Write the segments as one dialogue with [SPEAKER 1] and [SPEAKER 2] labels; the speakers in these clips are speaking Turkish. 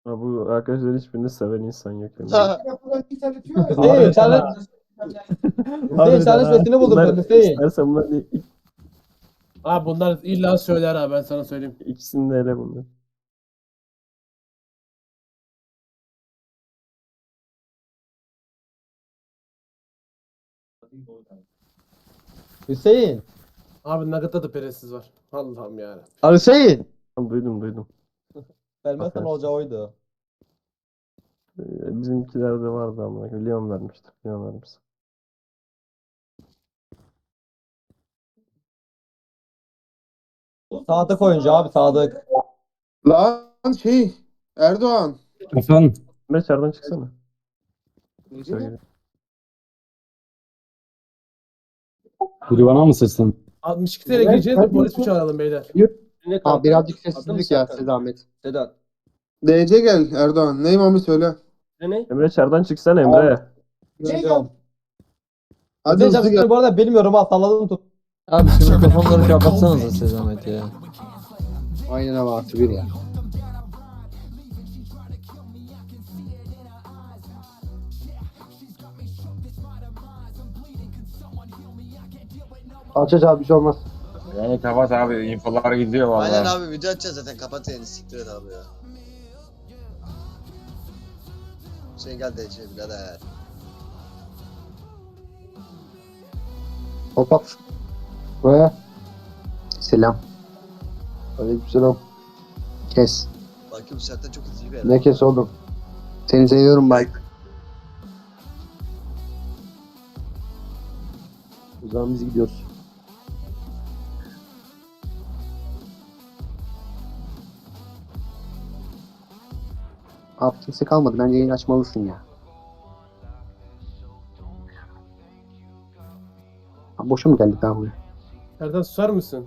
[SPEAKER 1] Ha, bu arkadaşlar hiçbirini seven insan yok Emre.
[SPEAKER 2] Hüseyin challenge, Hüseyin
[SPEAKER 1] Harbiden
[SPEAKER 2] challenge
[SPEAKER 1] ha.
[SPEAKER 2] metnini buldum
[SPEAKER 1] Bunlar
[SPEAKER 2] ben Hüseyin.
[SPEAKER 1] istersen bunlar
[SPEAKER 3] Abi bunlar illa söyler ha, ben sana söyleyeyim.
[SPEAKER 1] ikisini de ele bunlar.
[SPEAKER 2] Hüseyin.
[SPEAKER 3] Abi Nugget'ta da peresiz var. Allah'ım ya.
[SPEAKER 2] Hüseyin.
[SPEAKER 1] Tamam, duydum.
[SPEAKER 2] Vermezsen
[SPEAKER 1] Aferin.
[SPEAKER 2] olacağı oydu.
[SPEAKER 1] Bizimkilerde vardı ama Leon vermiştir. Leon vermiş.
[SPEAKER 2] Sadık oyuncu abi Sadık.
[SPEAKER 4] Lan Erdoğan.
[SPEAKER 5] Efendim,
[SPEAKER 1] Emre çardan çıksana.
[SPEAKER 4] Nereye?
[SPEAKER 5] biri bana mı seslendi?
[SPEAKER 3] 62 TL gireceğiz mi, polis mi çağıralım beyler?
[SPEAKER 2] Ne
[SPEAKER 6] Abi
[SPEAKER 2] kanka?
[SPEAKER 6] birazcık
[SPEAKER 2] Adın
[SPEAKER 6] sessizlik
[SPEAKER 2] mı
[SPEAKER 6] ya
[SPEAKER 2] Serkan?
[SPEAKER 6] size zahmet.
[SPEAKER 2] Sedat.
[SPEAKER 4] DC gel Erdoğan. Ney Mami söyle.
[SPEAKER 2] Ne?
[SPEAKER 1] Emre çardan çıksana Emre.
[SPEAKER 2] Görüyorum.
[SPEAKER 4] Hadi
[SPEAKER 2] Hüseyin
[SPEAKER 4] hızlı gel.
[SPEAKER 2] Cansu'yu bu arada bilmiyorum ha salladım tut.
[SPEAKER 7] Abi şu mikrofonları kapatsanıza size zahmet ya.
[SPEAKER 6] Aynen abi artı bir ya. Aç abi bir şey olmaz.
[SPEAKER 8] Yani kapat abi, infolar gidiyor vallahi.
[SPEAKER 9] Aynen abi, video açacağız zaten, kapat yani, siktir et abi ya. Hüseyin gel de içeri birader.
[SPEAKER 6] Hop hop. Ve selam. Aleykümselam. Kes.
[SPEAKER 9] Bakayım bu saatten çok hızlı bir yer.
[SPEAKER 6] Ne kes oğlum? Seni seviyorum Mike. O zaman biz gidiyoruz. Abi kimse kalmadı. Bence yayın açmalısın ya. Abi boşa mı geldik abi buraya?
[SPEAKER 3] Erdan susar mısın?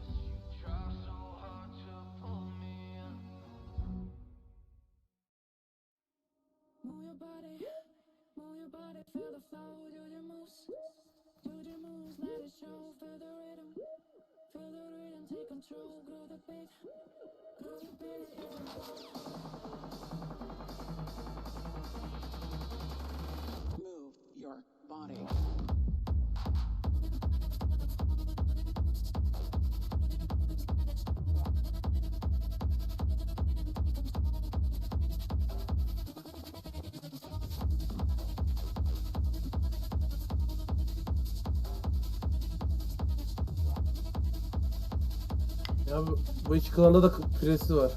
[SPEAKER 10] Move your body.
[SPEAKER 3] Ya bu iki klanda da peresiz var.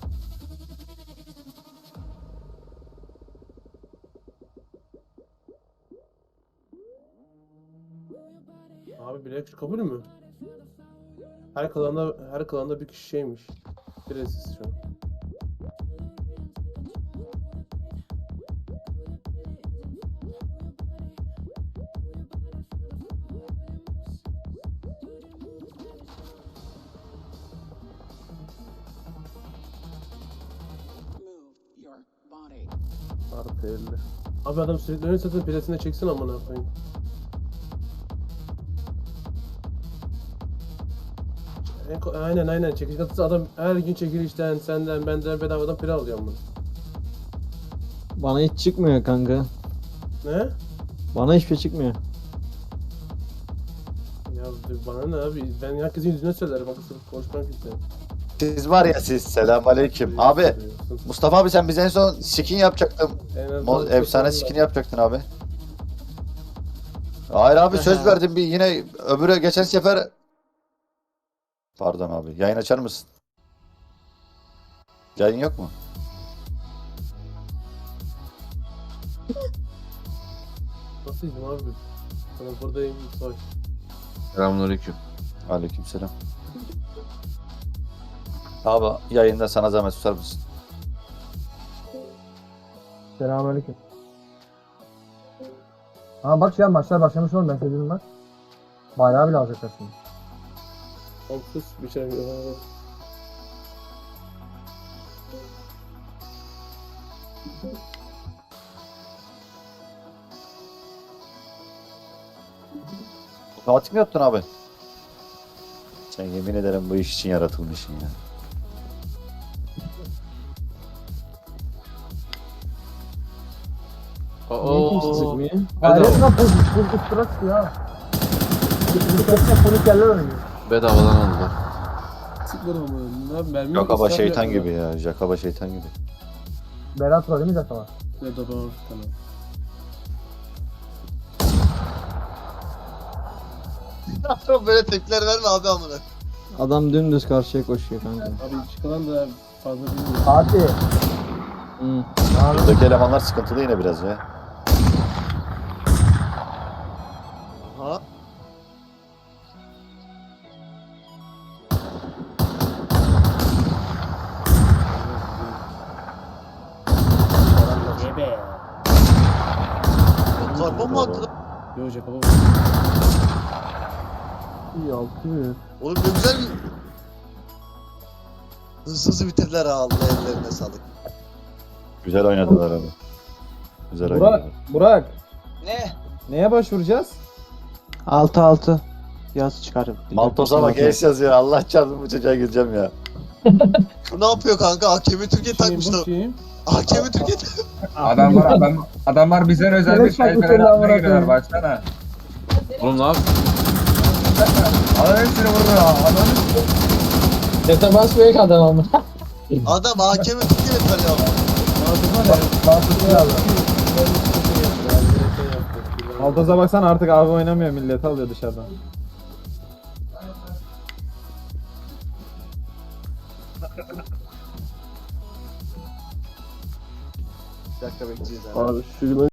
[SPEAKER 3] Abi bilek kabul mü? Her klanda bir kişi şeymiş. Peresiz şu an.
[SPEAKER 10] Move your body.
[SPEAKER 1] Artı 50.
[SPEAKER 3] Abi adam sürekli önüne satın peresine çeksin amına koyayım. Aynen çekiş katısı adam her gün çekilişten senden benden bedavadan pire alıyor bunu.
[SPEAKER 7] Bana hiç çıkmıyor kanka.
[SPEAKER 3] Ne?
[SPEAKER 7] Bana hiçbir şey çıkmıyor.
[SPEAKER 3] Ya bana ne abi, ben herkesin yüzüne söylerim, bak sırf konuşmak istedim.
[SPEAKER 9] Siz var ya siz, selamünaleyküm. Abi Mustafa abi, sen bize en son skin yapacaktın. Efsane skin yapacaktın abi. Hayır abi, söz verdim, bir yine öbürü geçen sefer. Pardon abi, yayın açar mısın? Yayın yok mu?
[SPEAKER 3] Nasıl izin abi? Ben buradayım, savaş.
[SPEAKER 8] Selamünaleyküm.
[SPEAKER 9] Aleykümselam. Abi yayında sana zahmet susar mısın?
[SPEAKER 2] Selamünaleyküm. Ha bak şu an maçlar başlamış oğlum ben söyledim bak. Bayrağı bile alacaklar şimdi.
[SPEAKER 3] Komşus bir şey yok.
[SPEAKER 9] Otomatik mi yaptın abi? Sen yemin ederim bu iş için yaratılmışsın ya.
[SPEAKER 7] Niye kimse sıkmıyor?
[SPEAKER 2] Hayret lan pozitif sıra çıkıyor ha. Bir kere polis yerler oynuyor.
[SPEAKER 8] Bedavadan aldılar.
[SPEAKER 3] Sıkmadım ama. Ne abi mermi
[SPEAKER 9] Jakaba
[SPEAKER 3] israf
[SPEAKER 9] şeytan
[SPEAKER 3] yapma.
[SPEAKER 9] gibi ya. Jakaba şeytan gibi.
[SPEAKER 2] Berat var değil mi zaten?
[SPEAKER 3] Ne de ben tamam.
[SPEAKER 9] Böyle tepkiler verme abi amına.
[SPEAKER 7] Adam dümdüz karşıya koşuyor kanka.
[SPEAKER 3] Abi çıkan da fazla bilmiyorum.
[SPEAKER 2] Fatih.
[SPEAKER 7] Hı.
[SPEAKER 9] Buradaki elemanlar sıkıntılı yine biraz ya. Aha.
[SPEAKER 3] Ne be?
[SPEAKER 9] Karbon mu attı?
[SPEAKER 3] Yo Jakaba.
[SPEAKER 1] İyi 600.
[SPEAKER 9] Oğlum ne güzel mi? Hızlı bitirdiler ha Allah ellerine sağlık. Güzel oynadılar abi. Güzel oynadılar.
[SPEAKER 2] Burak.
[SPEAKER 9] Ne?
[SPEAKER 2] Neye başvuracağız?
[SPEAKER 6] 6-6. Yaz çıkarım.
[SPEAKER 9] Maltos'a bak es yazıyor. Allah çarpsın bu çocuğa gireceğim ya. Bu ne yapıyor kanka? Hakemi Türkiye takmış da.
[SPEAKER 3] Bakayım.
[SPEAKER 9] Hakemi Türkiye
[SPEAKER 8] Adamlar bizden özel bir şey giriyor baksana. Oğlum ne yapıyorsun? Adam hepsini vurdu ya.
[SPEAKER 2] Dete basmıyor ki adam ama.
[SPEAKER 9] Adam hakemi Türkiye tanıyor.
[SPEAKER 2] Altaz'a baksana artık abi oynamıyor millet alıyor dışarıdan.
[SPEAKER 9] Bir dakika bekleyeceğiz abi.
[SPEAKER 1] Abi şu